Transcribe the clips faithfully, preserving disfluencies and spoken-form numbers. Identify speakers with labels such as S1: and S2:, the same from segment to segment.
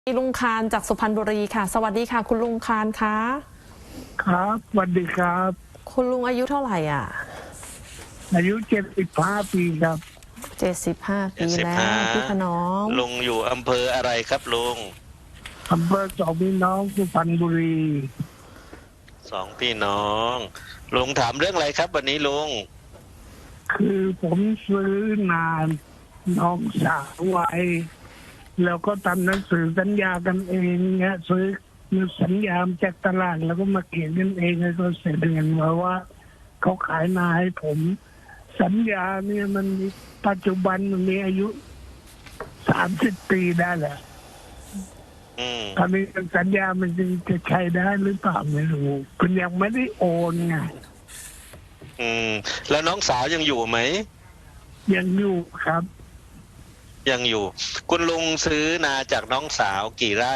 S1: ลุงคานจากสุพรรณบุรีค่ะสวัสดีค่ะคุณลุงคานคะ
S2: ครับสวัสดีครับ
S1: คุณลุงอายุเท่าไหร่อ่ะ
S2: อายุเจ็ดสิบห้าปีครับ
S1: เจ็ดสิบห้าปีแล้วพี่ขนอม
S3: ลุงอยู่อำเภออะไรครับลุง
S2: อำเภอสองพี่น้องสุพรรณบุรี
S3: สองพี่น้องลุงถามเรื่องอะไรครับวันนี้ลุง
S2: คือผมซื้อนานน้องสาวไว้แล้วก็ทำหนังสือสัญญากันเองเนี่ยซื้อสัญญาจากตลาดแล้วก็มาเขียนกันเองแล้วก็เสร็จเงินมาว่าเขาขายนาให้ผมสัญญาเนี่ยมันปัจจุบันมันมีอายุสามสิบปีได้แหละตอนนี้สัญญามันจะใช้ได้หรือเปล่าไม่รู้คุณยังไม่ได้โอนไง
S3: อืมแล้วน้องสาวยังอยู่ไหม
S2: ยังอยู่ครับ
S3: ยังอยู่คุณลุงซื้อนาจากน้องสาวกี่ไร่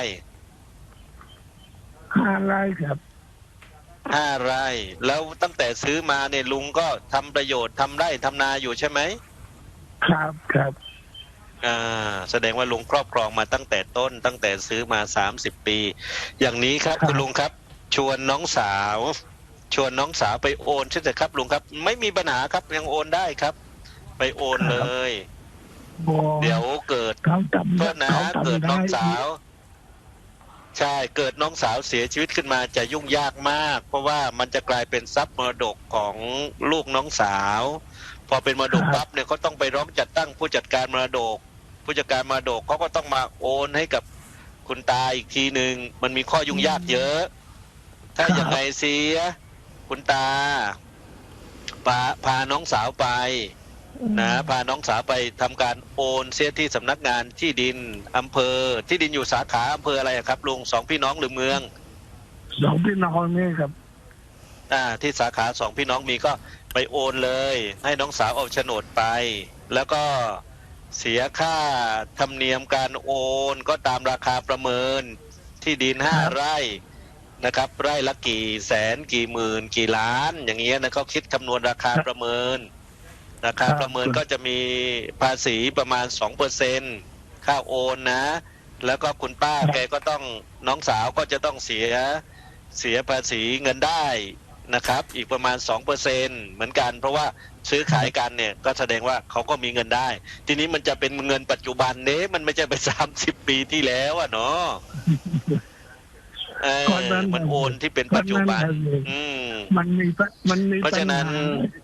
S2: ห้าไร่ครับ
S3: ห้าไร่แล้วตั้งแต่ซื้อมาเนี่ยลุงก็ทำประโยชน์ทำไร่ทำนาอยู่ใช่ไหม
S2: ครับครับ
S3: อ่าแสดงว่าลุงครอบครองมาตั้งแต่ต้นตั้งแต่ซื้อมาสามสิบปีอย่างนี้ครับคุณลุงครับชวนน้องสาวชวนน้องสาวไปโอนใช่ไหมครับลุงครับไม่มีปัญหาครับยังโอนได้ครับไปโอนเลยเดี๋ยวเกิดโทษนะเกิดน้องสาวใช่เกิดน้องสาวเสียชีวิตขึ้นมาจะยุ่งยากมากเพราะว่ามันจะกลายเป็นทรัพย์มรดกของลูกน้องสาวพอเป็นมรดกปั๊บเนี่ยเขาต้องไปร้องจัดตั้งผู้จัดการมรดกผู้จัดการมรดกเขาก็ต้องมาโอนให้กับคุณตาอีกทีหนึ่งมันมีข้อยุ่งยากเยอะถ้าอย่างไรเสียคุณตาพาพาน้องสาวไปนะพาน้องสาวไปทำการโอนเสียที่สำนักงานที่ดินอำเภอที่ดินอยู่สาขาอำเภออะไรครับลุงสองพี่น้องหรือเมือง
S2: สองพี่น้องนี่ครับ
S3: อ่าที่สาขาสองพี่น้องมีก็ไปโอนเลยให้น้องสาวเอาโฉนดไปแล้วก็เสียค่าธรรมเนียมการโอนก็ตามราคาประเมินที่ดินห้าไร่นะครับไร่ละกี่แสนกี่หมื่นกี่ล้านอย่างเงี้ยนะเขาคิดคำนวณราคาประเมินราคาประเมินก็จะมีภาษีประมาณ สองเปอร์เซ็นต์ ค่าโอนนะแล้วก็คุณป้าแกก็ต้องน้องสาวก็จะต้องเสียเสียภาษีเงินได้นะครับอีกประมาณ สองเปอร์เซ็นต์ เหมือนกันเพราะว่าซื้อขายกันเนี่ยก็แสดงว่าเขาก็มีเงินได้ทีนี้มันจะเป็นเงินปัจจุบันเน้มันไม่ใช่ไปสามสิบปีที่แล้วอ่ะเนาะเออมันโอนที่เป็นปัจจุบันอืม
S2: มันมีมันมี
S3: เพราะฉะนั้น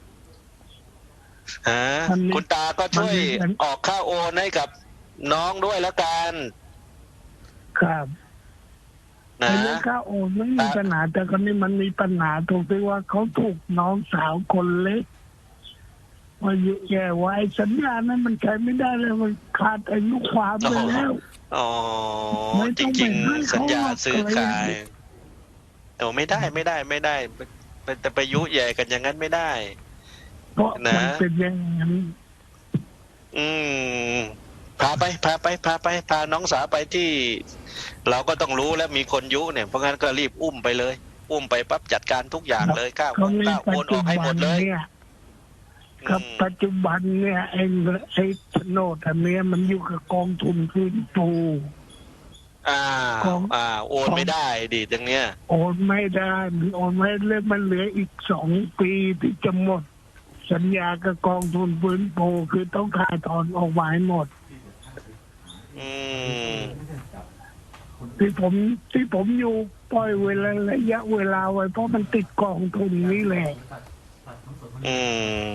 S3: ฮะคุณตาก็ช่วยออกค่าโอนให้กับน้องด้วยแล้วกัน
S2: ครับนะเรื่องค่าโอนไม่มีปัญหาแต่คนนี้มันมีปัญหาตรงที่ว่าเขาถูกน้องสาวคนเล็กมาอยู่แย่ไว้สัญญานั้นมันใช้ไม่ได้เลยมันขาดอายุความไปแล้ว
S3: อ๋อจริงๆสัญญาซื้อขายแต่ไม่ได้ไม่ได้ไม่ได้แต่ไปยุแย่กันอย่างนั้นไม่ได้
S2: เพราะมันเป็นอย่างนั้น
S3: อืมพาไปพาไปพาไปพาน้องสาวไปที่เราก็ต้องรู้แล้วมีคนยุเนี่ยเพราะงั้นก็รีบอุ้มไปเลยอุ้มไปปั๊บจัดการทุกอย่างเลยข้าวข้าวโอนออกให้หมดเลย
S2: ครับปัจจุบันเนี่ยไอ้ไอ้โฉนดอันนี้มันอยู่กับกองทุนฟื้นฟู
S3: อ่าอ่าโอนไม่ได้ดิตรงเนี้ย
S2: โอนไม่ได้มันโอนไม่เลยมันเหลืออีกสองปีที่จะหมดสัญญากับกองทุนฟื้นฟูคือต้องขายถอนออกมาให้หมด
S3: อืม
S2: ที่ผมที่ผมอยู่ปล่อยเวลาระยะเวลาไว้เพราะมันติดกองทุนนี่แหละ
S3: อืม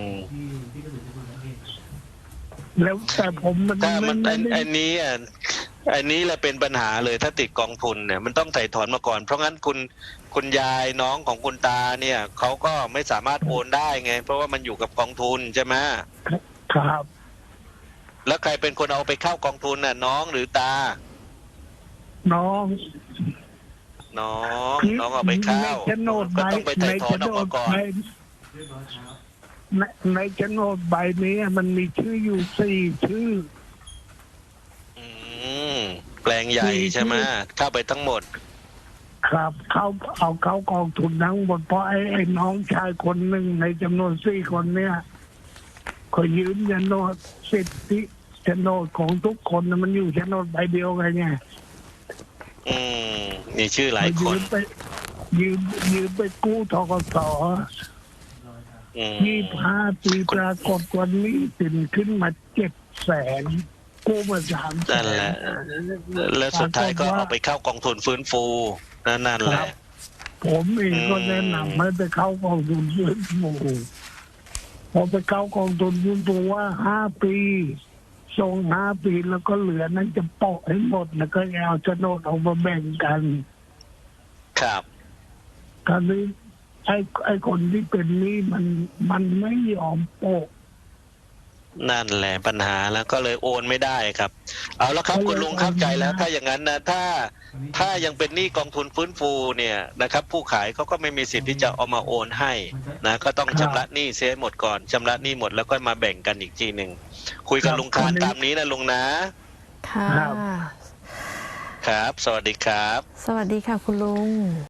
S2: แล้วแต่ผมมัน
S3: ถ้ามันไอ้นี้อ่ะไอ้นี้แหละเป็นปัญหาเลยถ้าติดกองทุนเนี่ยมันต้องไถ่ถอนมาก่อนเพราะงั้นคุณคุณยายน้องของคุณตาเนี่ยเขาก็ไม่สามารถโอนได้ไงเพราะว่ามันอยู่กับกองทุนใช่ไหม
S2: ครับ
S3: แล้วใครเป็นคนเอาไปเข้ากองทุนน่ะน้องหรือตา
S2: น้อง
S3: น้องน้องเอาไปเข้าก็ต้องไปไถ่ถอนออกมาก่อน
S2: ในในโฉนดใบนี้มันมีชื่ออยู่สี่ชื่อ
S3: อืมแปลงใหญ่ใช่ไหมเข้าไปทั้งหมด
S2: ครับเขาเอาเข้ากองทุนทั้งหมดเพราะไอ้ไอ้น้องชายคนหนึ่งในจำนวนสี่คนเนี่ยเขายืมโฉนดสิทธิโฉนดของทุกคนมันอยู่โฉนดใบเดียวกันไง
S3: อืมมีชื่อหลายค
S2: ยื
S3: น
S2: มไปยืมยืมไปกู้ทกส
S3: อืม
S2: ยี่สิบห้าปีปรากฏวันนี้สินขึ้นมาเจ็ดแสนกู้มาสามแส
S3: นั่นแห
S2: น
S3: ละ แล้วสุดท้ายก็เอาไปเข้ากองทุนฟื้นฟูนั่นนั่นแหละ
S2: ผมเองก็
S3: อืม
S2: แนะนำให้ไปเข้ากองทุนฟื้นฟูพอไปเข้ากองทุนฟื้นฟูว่าห้าปีส่งห้าปีแล้วก็เหลือนั้นจะโปะให้หมดแล้วก็เอาโฉนดออกมาแบ่งกัน
S3: ครับ
S2: คราวนี้ไอ้ไอ้คนที่เป็นหนี้มันมันไม่ยอมโปะ
S3: นั่นแหละปัญหาแล้วก็เลยโอนไม่ได้ครับ เอาละครับ
S2: ก็เลย
S3: คุณลุงเข้าใจแล้ว
S2: โอนไม่ได้
S3: ถ้าอย่างนั้นนะถ้าถ้ายังเป็นหนี้กองทุนฟื้นฟูเนี่ยนะครับ ผู้ขายเขาก็ไม่มีสิทธิ์ที่จะเอามาโอนให้นะก็ต้องชำระหนี้เสียให้หมดก่อนชำระหนี้หมดแล้วก็มาแบ่งกันอีกทีหนึ่งคุยกับลุงคานตามนี้นะลุงนะ
S1: ค่ะ
S3: ครับ สวัสดีครับ
S1: สวัสดีค่ะคุณลุง